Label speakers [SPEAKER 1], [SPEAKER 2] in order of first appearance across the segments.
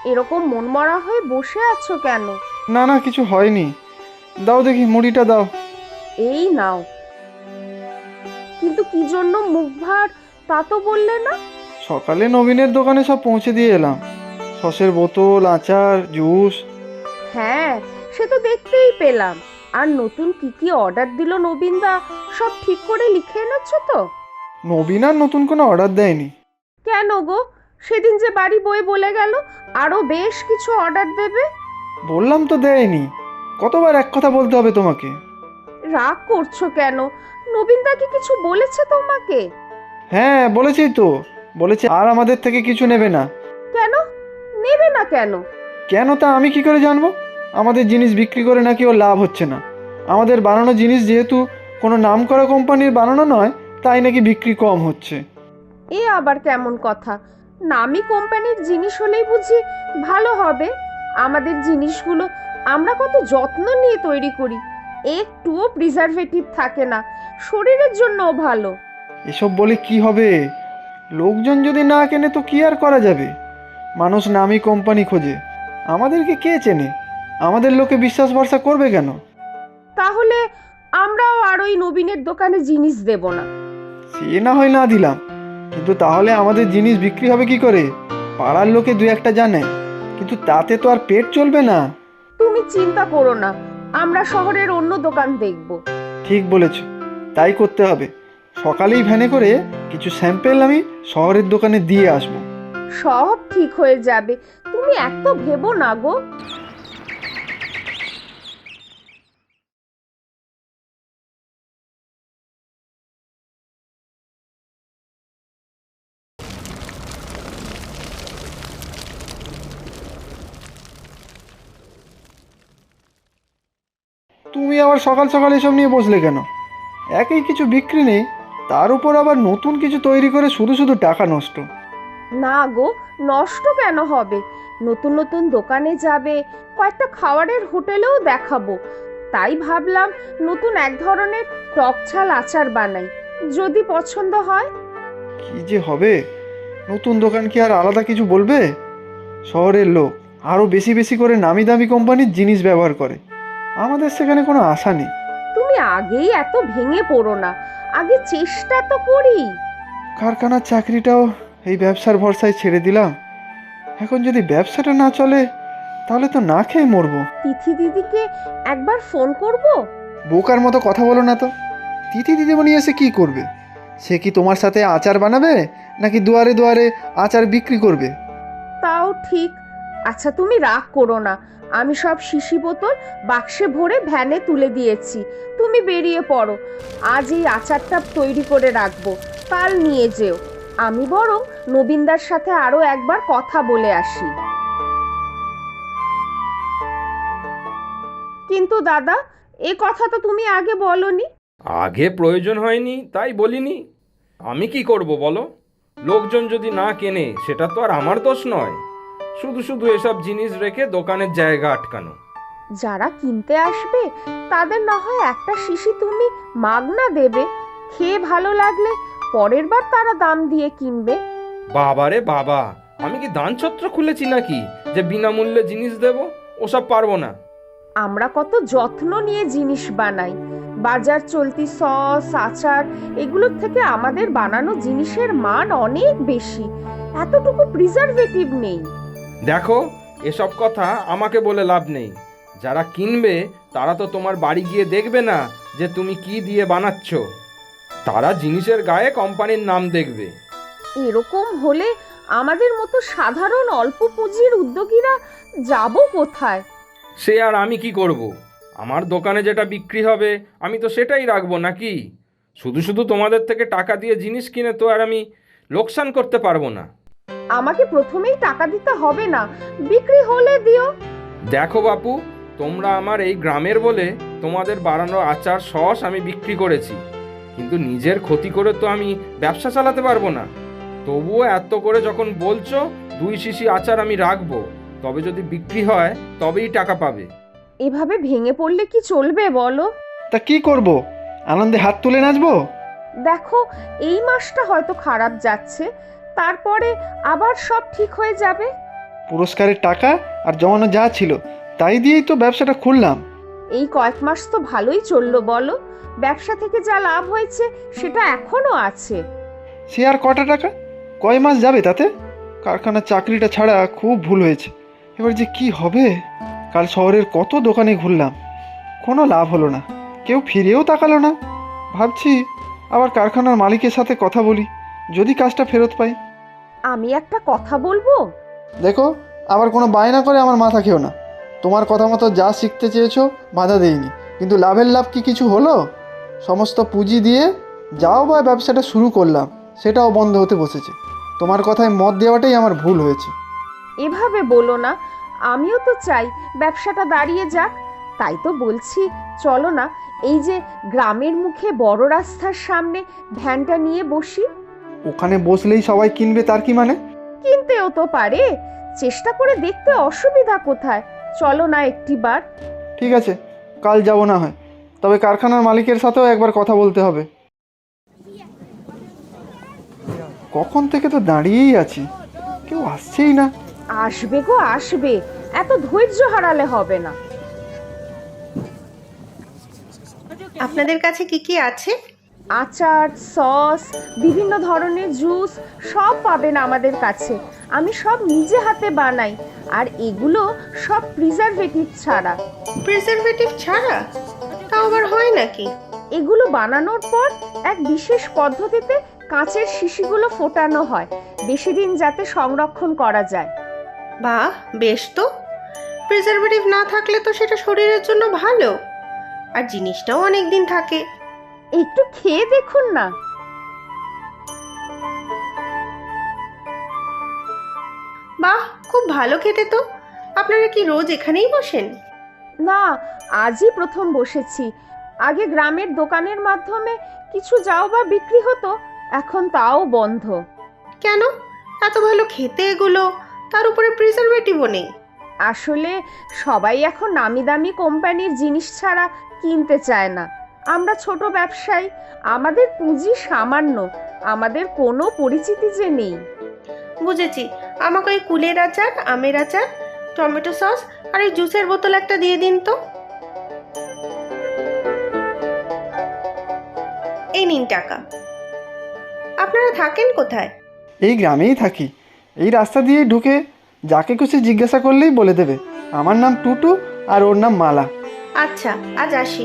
[SPEAKER 1] এরকম মনমরা হয়ে বসে আছো কেন?
[SPEAKER 2] না না, কিছু হয়নি। দাও দেখি, মুড়িটা দাও।
[SPEAKER 1] এই নাও। কিন্তু কি জন্য মুখ ভার তা তো বললে না।
[SPEAKER 2] সকালে নবীনের দোকানে সব পৌঁছে দিয়ে এলাম। সসের বোতল, আচার, জুস।
[SPEAKER 1] হ্যাঁ, সে তো দেখতেই পেলাম। আর নতুন কি কি অর্ডার দিল নবীনদা, সব ঠিক করে লিখে এনেছো তো?
[SPEAKER 2] নবীন আর নতুন কোনো অর্ডার দেয়নি।
[SPEAKER 1] কেন গো, সেদিন যে বাড়ি বয়ে বলে গেল আরো বেশ কিছু অর্ডার দেবে।
[SPEAKER 2] বললাম তো দেয়নি। কতবার এক কথা বলতে হবে তোমাকে?
[SPEAKER 1] রাগ করছো কেন? নবীনদা কি কিছু বলেছে তোমাকে?
[SPEAKER 2] হ্যাঁ, বলেছি তো। বলেছে আর আমাদের থেকে কিছু নেবে না।
[SPEAKER 1] কেন নেবে না কেন?
[SPEAKER 2] কেন তা আমি কি করে জানবো? আমাদের জিনিস বিক্রি করে নাকি ওর লাভ হচ্ছে না। আমাদের বানানো জিনিস যেহেতু কোনো নামকরা কোম্পানির বানানো নয়, তাই নাকি বিক্রি কম হচ্ছে।
[SPEAKER 1] এ আবার কেমন কথা? নামি কোম্পানির জিনিস হলেই বুঝি ভালো হবে? আমাদের জিনিসগুলো আমরা কত যত্ন নিয়ে তৈরি করি, একটুও প্রিজারভেটিভ থাকে না, শরীরের জন্যও ভালো।
[SPEAKER 2] এসব বলে কি হবে? লোকজন যদি না কেনে তো কি আর করা যাবে? মানুষ নামি কোম্পানি খোঁজে। আমাদেরকে কে চেনে? আমাদের লোকে বিশ্বাস ভরসা করবে কেন?
[SPEAKER 1] তাহলে আমরাও আর ওই নবীনের দোকানে জিনিস দেব না।
[SPEAKER 2] সে না হয় না দিলাম, কিন্তু তাহলে আমাদের জিনিস বিক্রি হবে কি করে? পাড়ার লোকে দু একটা জানে, কিন্তু তাতে তো আর পেট চলবে না।
[SPEAKER 1] তুমি চিন্তা করো না, আমরা শহরের অন্য দোকান দেখব।
[SPEAKER 2] ঠিক বলেছ, তাই করতে হবে। সকালেই ভ্যানে করে কিছু স্যাম্পেল আমি শহরের দোকানে দিয়ে আসবো।
[SPEAKER 1] সব ঠিক হয়ে যাবে, তুমি এত ভেবো না গো।
[SPEAKER 2] তুমি আবার সকাল সকাল এসব নিয়ে বসলে কেন? একই কিছু বিক্রি নেই, তার উপর আবার নতুন কিছু তৈরি করে শুধু শুধু টাকা নষ্ট।
[SPEAKER 1] না গো, নষ্ট কেন হবে? নতুন নতুন দোকানে যাবে, কয়েকটা খাবারের হোটেলেও দেখাবো। তাই ভাবলাম নতুন এক ধরনের টক ঝাল আচার বানাই, যদি পছন্দ হয়।
[SPEAKER 2] কি যে হবে! নতুন দোকান কি আর আলাদা কিছু বলবে? শহরের লোক আরও বেশি বেশি করে নামি দামি কোম্পানির জিনিস ব্যবহার করে। আমাদের সেখানে কোনো আশা নেই।
[SPEAKER 1] তুমি আগেই এত ভেঙে পড়ো না, আগে চেষ্টা তো করি।
[SPEAKER 2] কারখানার চাকরিটাও এই ব্যবসার ভরসায় ছেড়ে দিলাম। এখন যদি ব্যবসাটা না চলে, তাহলে তো না খেয়ে মরবো।
[SPEAKER 1] তিথি দিদিকে একবার ফোন করব।
[SPEAKER 2] বোকার মতো কথা বলো না তো। তিথি দিদিমণি এসে কি করবে? সে কি তোমার সাথে আচার বানাবে, নাকি দুয়ারে দুয়ারে আচার বিক্রি করবে?
[SPEAKER 1] তাও ঠিক। আচ্ছা তুমি রাগ করো না, আমি সব শিশি বোতল বাক্সে ভরে ভ্যানে তুলে দিয়েছি। তুমি বেরিয়ে পড়ো, আজ এই আচারটা তৈরি করে রাখবো, কাল নিয়ে যেও। আমি বরং নবীনদার সাথে আরো একবার কথা বলে আসি। কিন্তু দাদা, এ কথা তো তুমি আগে বলনি।
[SPEAKER 3] আগে প্রয়োজন হয়নি তাই বলিনি। আমি কি করব বলো? লোকজন যদি না কেনে সেটা তো আর আমার দোষ নয়। শুধু শুধু এসব জিনিস রেখে দোকানের জায়গা আটকানো।
[SPEAKER 1] যারা কিনতে আসবে তাদের না হয় একটা শিশি তুমি মাগনা দেবে, খেয়ে ভালো লাগলে পরের বার তারা দাম দিয়ে কিনবে।
[SPEAKER 3] বাবারে বাবা, আমি কি দানছত্র খুলেছি নাকি যে বিনামূল্যে জিনিস দেব? ওসব পারবো না।
[SPEAKER 1] আমরা কত যত্ন নিয়ে জিনিস বানাই, বাজার চলতি সস আচার এগুলোর থেকে আমাদের বানানো জিনিসের মান অনেক বেশি, এতটুকু প্রিজারভেটিভ নেই।
[SPEAKER 3] দেখো, এসব কথা আমাকে বলে লাভ নেই। যারা কিনবে তারা তো তোমার বাড়ি গিয়ে দেখবে না যে তুমি কি দিয়ে বানাচ্ছ। তারা জিনিসের গায়ে কোম্পানির নাম দেখবে।
[SPEAKER 1] এরকম হলে আমাদের মতো সাধারণ অল্প পুঁজির উদ্যোগীরা যাব কোথায়?
[SPEAKER 3] সে আর আমি কি করব? আমার দোকানে যেটা বিক্রি হবে আমি তো সেটাই রাখবো নাকি? শুধু শুধু তোমাদের থেকে টাকা দিয়ে জিনিস কিনে তো আর আমি লোকসান করতে পারবো না।
[SPEAKER 1] আমাকে প্রথমেই টাকা দিতে হবে না, বিক্রি হলে দিও।
[SPEAKER 3] দেখো বাপু, তোমরা আমার এই গ্রামের বলে তোমাদের বানানো আচার সস আমি বিক্রি করেছি, কিন্তু নিজের ক্ষতি করে তো আমি ব্যবসা চালাতে পারবো না। তবুও এত করে যখন বলছো, 2 শিশি আচার আমি রাখবো, তবে যদি বিক্রি হয় তবেই টাকা পাবে।
[SPEAKER 1] এভাবে ভেঙে পড়লে কি চলবে বলো?
[SPEAKER 2] তা কি করব? আনন্দে হাত তুলে নাচবো?
[SPEAKER 1] দেখো, এই মাসটা হয়তো খারাপ যাচ্ছে, তারপরে আবার সব ঠিক হয়ে যাবে।
[SPEAKER 2] পুরস্কারের টাকা আর জমানো যা ছিল তাই দিয়েই তো ব্যবসাটা খুললাম।
[SPEAKER 1] এই কয়েক মাস তো ভালোই চললো বলো, ব্যবসা থেকে যা লাভ হয়েছে সেটা এখনো আছে।
[SPEAKER 2] সে আর কটা টাকা, কয় মাস যাবে তাতে? কারখানার চাকরিটা ছাড়া খুব ভুল হয়েছে। এবার যে কি হবে? কাল শহরের কত দোকানে ঘুরলাম, কোনো লাভ হলো না, কেউ ফিরেও তাকালো না। ভাবছি আবার কারখানার মালিকের সাথে কথা বলি, যদি কাজটা ফেরত পাই।
[SPEAKER 1] আমি একটা কথা বলবো?
[SPEAKER 2] দেখো, আবার কোনো বায়না করে আমার মাথা খেও না। তোমার কথা মতো যা শিখতে চেয়েছো বাধা দেইনি, কিন্তু লাভের লাভ কি কিছু হলো? সমস্ত পুঁজি দিয়ে যাও বা ব্যবসাটা শুরু করলাম, সেটাও বন্ধ হতে বসেছে। তোমার কথায় মত দেওয়াটাই আমার ভুল হয়েছে।
[SPEAKER 1] এভাবে বলো না, আমিও তো চাই ব্যবসাটা দাঁড়িয়ে যাক। তাই তো বলছি, চলো না এই যে গ্রামের মুখে বড় রাস্তার সামনে ভ্যানটা নিয়ে বসি।
[SPEAKER 2] ওখানে বসলেই সবাই কিনবে তার কি মানে?
[SPEAKER 1] কিনতেও তো পারে, চেষ্টা করে দেখতে অসুবিধা কোথায়? চলো না একটিবার।
[SPEAKER 2] ঠিক আছে, কাল যাব না হয়, তবে কারখানার মালিকের সাথেও একবার কথা বলতে হবে। কখন থেকে তো দাঁড়িয়েই আছি, কেউ আসছেই না।
[SPEAKER 1] আসবে গো আসবে, এত ধৈর্য হারালে হবে না।
[SPEAKER 4] আপনাদের কাছে কি কি আছে?
[SPEAKER 1] আচার, সস, বিভিন্ন ধরনের জুস সব পাবেন আমাদের কাছে। আমি সব নিজে হাতে বানাই, আর এগুলো সব প্রিজারভেটিভ ছাড়া।
[SPEAKER 4] প্রিজারভেটিভ ছাড়া? তাও আবার হয় নাকি?
[SPEAKER 1] এগুলো বানানোর পর এক বিশেষ পদ্ধতিতে কাঁচের শিশিগুলো ফোটানো হয়, বেশি দিন যাতে সংরক্ষণ করা যায়।
[SPEAKER 4] বাহ, বেশ তো। প্রিজারভেটিভ না থাকলে তো সেটা শরীরের জন্য ভালো, আর জিনিসটাও অনেক দিন থাকে।
[SPEAKER 1] একটু খেয়ে দেখুন না।
[SPEAKER 4] বাহ, খুব ভালো খেতে তো। আপনারা কি রোজ এখানেই বসেন?
[SPEAKER 1] না, আজই প্রথম বসেছি। আগে গ্রামের দোকানের মাধ্যমে কিছু যাও বা বিক্রি হতো, এখন তাও বন্ধ।
[SPEAKER 4] কেন? এত ভালো খেতে এগুলো, তার উপরে প্রিজারভেটিভও নেই।
[SPEAKER 1] আসলে সবাই এখন নামি দামি কোম্পানির জিনিস ছাড়া কিনতে চায় না। আমরা ছোট ব্যবসায়ী, আমাদের পুঁজি সামান্য, আমাদের কোনো পরিচিতি যে নেই।
[SPEAKER 4] বুঝেছি। আমাকে ওই কুলের আচার, আমের আচার, টমেটো সস আর এই জুসের বোতল একটা দিয়ে দিন তো। এই নিন টাকা। আপনারা থাকেন কোথায়?
[SPEAKER 2] এই গ্রামেই থাকি, এই রাস্তা দিয়েই ঢুকে যাকে খুশি জিজ্ঞাসা করলেই বলে দেবে আমার নাম টুটু আর ওর নাম মালা।
[SPEAKER 4] আচ্ছা, আজ আসি।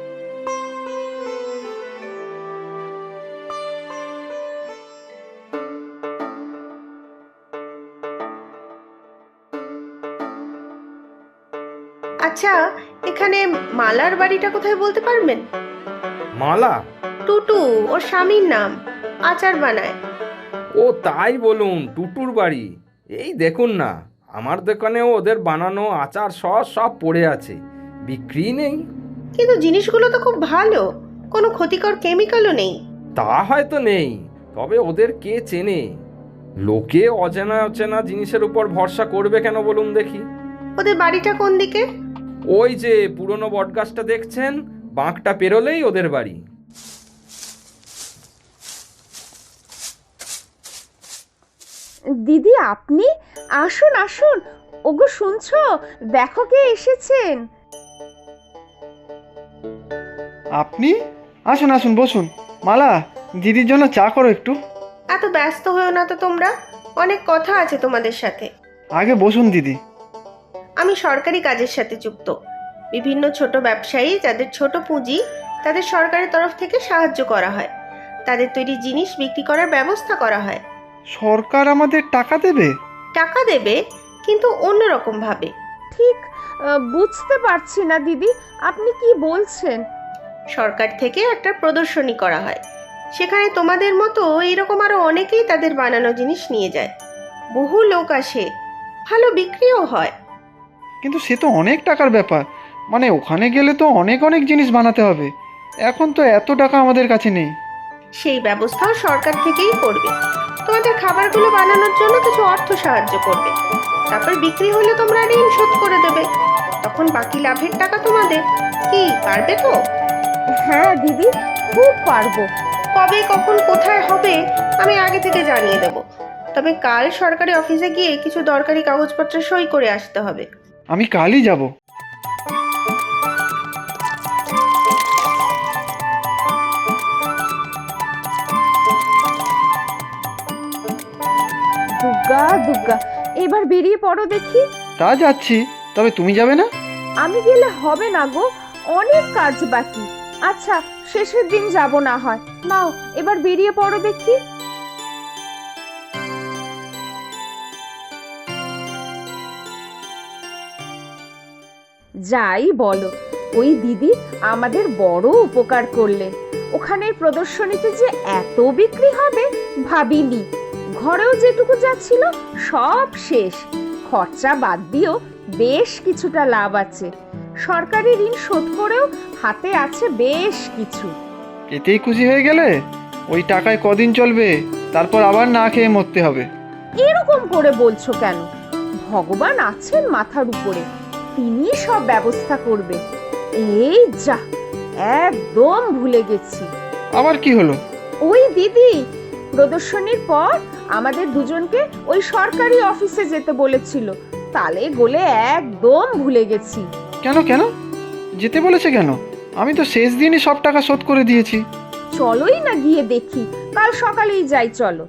[SPEAKER 4] আচ্ছা, এখানে মালার বাড়িটা কোথায় বলতে পারবেন?
[SPEAKER 3] মালা?
[SPEAKER 4] টুটু ওর স্বামীর নাম, আচার বানায়।
[SPEAKER 3] ও তাই বলুন, টুটুর বাড়ি। এই দেখুন না, আমার দোকানেও ওদের বানানো আচার সস সব পড়ে আছে, বিক্রি নেই।
[SPEAKER 4] কিন্তু জিনিসগুলো তো খুব ভালো, কোনো ক্ষতিকর কেমিক্যালও নেই।
[SPEAKER 3] তা হয়তো নেই, তবে ওদের কে চেনে? লোকে অচেনা অচেনা জিনিসের উপর ভরসা করবে কেন বলুন দেখি?
[SPEAKER 4] ওদের বাড়িটা কোন দিকে?
[SPEAKER 3] ওই যে পুরনো বটগাছটা দেখছেন, বাঁকটা পেরোলেই ওদের বাড়ি।
[SPEAKER 1] দিদি আপনি? আসুন আসুন। ওগো শুনছো, দেখো কে এসেছেন।
[SPEAKER 2] আপনি? আসুন আসুন, বসুন। মালা, দিদির জন্য চা করো একটু।
[SPEAKER 4] এত ব্যস্ত হয়েও না তো তোমরা, অনেক কথা আছে তোমাদের সাথে।
[SPEAKER 2] আগে বসুন দিদি।
[SPEAKER 4] আমি সরকারি কাজের সাথে যুক্ত। বিভিন্ন ছোট ব্যবসায়ী যাদের ছোট পুঁজি, তাদের সরকারের তরফ থেকে সাহায্য করা হয়, তাদের তৈরি জিনিস বিক্রি করার ব্যবস্থা করা হয়।
[SPEAKER 2] সরকার আমাদের টাকা দেবে?
[SPEAKER 4] টাকা দেবে, কিন্তু অন্যরকম ভাবে।
[SPEAKER 1] ঠিক বুঝতে পারছি না দিদি, আপনি কি বলছেন?
[SPEAKER 4] সরকার থেকে একটা প্রদর্শনী করা হয়, সেখানে তোমাদের মতো এইরকম আরো অনেকেই তাদের বানানো জিনিস নিয়ে যায়। বহু লোক আসে, ভালো বিক্রিও হয়।
[SPEAKER 2] কিন্তু সে তো অনেক টাকার ব্যাপার, মানে ওখানে গেলে তো অনেক অনেক জিনিস বানাতে হবে। এখন তো এত টাকা আমাদের কাছে নেই।
[SPEAKER 4] সেই ব্যবস্থাও সরকার থেকেই করবে। তোমাদের খাবারগুলো বানানোর জন্য কিছু অর্থ সাহায্য করবে, তারপর বিক্রি হলে তোমরা ঋণ শোধ করে দেবে, তখন বাকি লাভের টাকা তোমাদের। কি পারবে তো?
[SPEAKER 1] হ্যাঁ দিদি, খুব পারবো।
[SPEAKER 4] কবে, কখন, কোথায় হবে আমি আগে থেকে জানিয়ে দেব। তবে কাল সরকারি অফিসে গিয়ে কিছু দরকারি কাগজপত্রে সই করে আসতে হবে।
[SPEAKER 2] আমি কালই যাব।
[SPEAKER 1] দুর্গা দুর্গা, এবার বেরিয়ে পড়ো দেখি।
[SPEAKER 2] তা যাচ্ছি, তবে তুমি যাবে না?
[SPEAKER 1] আমি গেলে হবে না গো, অনেক কাজ বাকি। আচ্ছা, শেষের দিন যাব না হয়। নাও এবার বেরিয়ে পড়ো দেখি। যাই বলো, ওই দিদি আমাদের বড় উপকার করলেন। ওখানের প্রদর্শনীতে যে এত বিক্রি হবে ভাবিনি। ঘরেও যেটুকু যা ছিল সব শেষ। খরচা বাদ দিয়েও বেশ কিছুটা লাভ আছে। সরকারি ঋণ শোধ করেও হাতে আছে বেশ কিছু।
[SPEAKER 2] এতেই খুশি হয়ে গেলে? ওই টাকায় কদিন চলবে, তারপর আবার না খেয়ে মরতে হবে।
[SPEAKER 1] এরকম করে বলছো কেন? ভগবান আছেন মাথার উপরে, তিনি সব ব্যবস্থা করবে। এই যা, একদম ভুলে গেছি।
[SPEAKER 2] আবার কি হলো?
[SPEAKER 1] ওই দিদি প্রদর্শনীর পর আমাদের দুজনকে ওই সরকারি অফিসে যেতে বলেছিল। তালে গোলে একদম ভুলে গেছি।
[SPEAKER 2] কেন কেন যেতে বলেছে কেন? আমি তো শেষ দিনই সব টাকা শোধ করে দিয়েছি।
[SPEAKER 1] চলোই না গিয়ে দেখি, কাল সকালেই যাই চলো।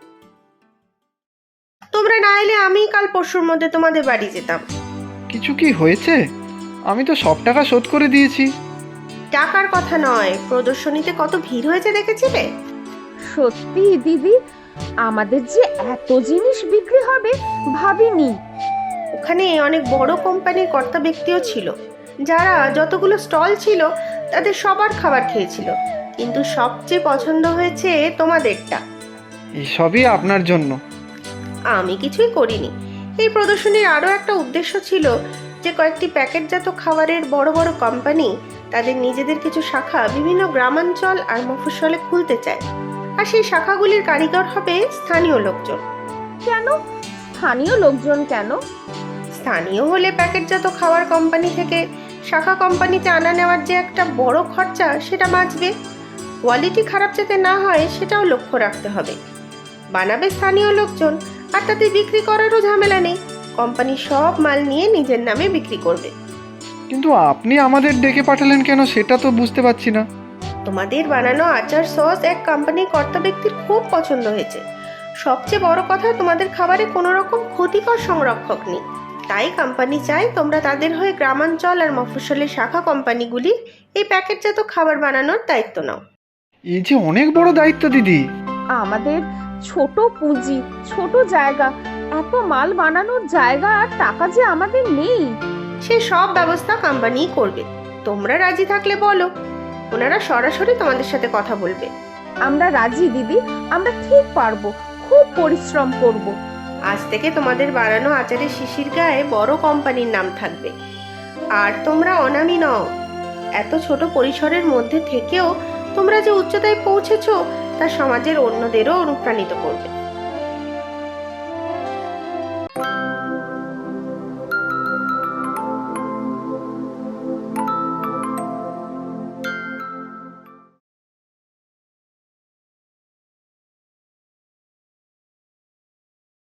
[SPEAKER 4] তোমরা না এলে আমি কাল পরশুর মধ্যে তোমাদের বাড়ি যেতাম।
[SPEAKER 2] কিছু কি হয়েছে? আমি তো সব টাকা শোধ করে দিয়েছি।
[SPEAKER 4] টাকার কথা নয়, প্রদর্শনীতে কত ভিড় হয়েছে দেখেছিলে?
[SPEAKER 1] সত্যি দিদি, আমাদের যে এত জিনিস বিক্রি হবে ভাবিনি।
[SPEAKER 4] ওখানে অনেক বড় কোম্পানির কর্তা ব্যক্তিও ছিল, যারা যতগুলো স্টল ছিল তাদের সবার খাবার খেয়েছিল, কিন্তু সবচেয়ে পছন্দ হয়েছে তোমাদেরটা।
[SPEAKER 2] এসবই আপনার জন্য।
[SPEAKER 4] আমি কিছুই করিনি। এই প্রদর্শনীর আরও একটা উদ্দেশ্য ছিল যে কয়েকটি প্যাকেটজাত খাবারের বড় বড় কোম্পানি তাদের নিজেদের কিছু শাখা বিভিন্ন গ্রামাঞ্চল আর মফস্বলে খুলতে চায়, আর সেই শাখাগুলির কারিগর হবে স্থানীয় লোকজন।
[SPEAKER 1] কেন স্থানীয় লোকজন কেন?
[SPEAKER 4] স্থানীয় হলে প্যাকেটজাত খাবার কোম্পানি থেকে শাখা কোম্পানিতে আনা নেওয়ার যে একটা বড় খরচা সেটা বাঁচবে। কোয়ালিটি খারাপ যাতে না হয় সেটাও লক্ষ্য রাখতে হবে। বানাবে স্থানীয় লোকজন, আর তাতে বিক্রি করারও ঝামেলা নেই। কোম্পানি সব মাল নিয়ে নিজের নামে বিক্রি করবে।
[SPEAKER 2] কিন্তু আপনি আমাদের ডেকে পাঠালেন কেন সেটা তো বুঝতে পারছি না।
[SPEAKER 4] তোমাদের বানানো আচার সস এক কোম্পানির কর্তা ব্যক্তির খুব পছন্দ হয়েছে। সবচেয়ে বড় কথা, তোমাদের খাবারে কোনো রকম ক্ষতিকর সংরক্ষক নেই। তাই কোম্পানি চায় তোমরা তাদের হয়ে গ্রামাঞ্চল আর মফস্বলের শাখা কোম্পানিগুলির এই প্যাকেটজাত খাবার বানানোর দায়িত্ব নাও।
[SPEAKER 2] এই যে অনেক বড় দায়িত্ব দিদি।
[SPEAKER 1] আমাদের ছোট পুঁজি, ছোট জায়গা, এত মাল বানানোর জায়গা আর টাকা যে আমাদের নেই।
[SPEAKER 4] সে সব ব্যবস্থা কোম্পানিই করবে। তোমরা রাজি থাকলে বলো, ওনারা সরাসরি তোমাদের সাথে কথা বলবে।
[SPEAKER 1] আমরা রাজি দিদি, আমরা ঠিক পারবো, খুব পরিশ্রম করব।
[SPEAKER 4] আজ থেকে তোমাদের বানানো আচারের শিশির গায়ে বড় কোম্পানির নাম থাকবে। আর তোমরা অনামী নও। এত ছোট পরিসরের মধ্যে থেকেও তোমরা যে উচ্চতায় পৌঁছেছো তা সমাজের অন্যদেরও অনুপ্রাণিত করবে।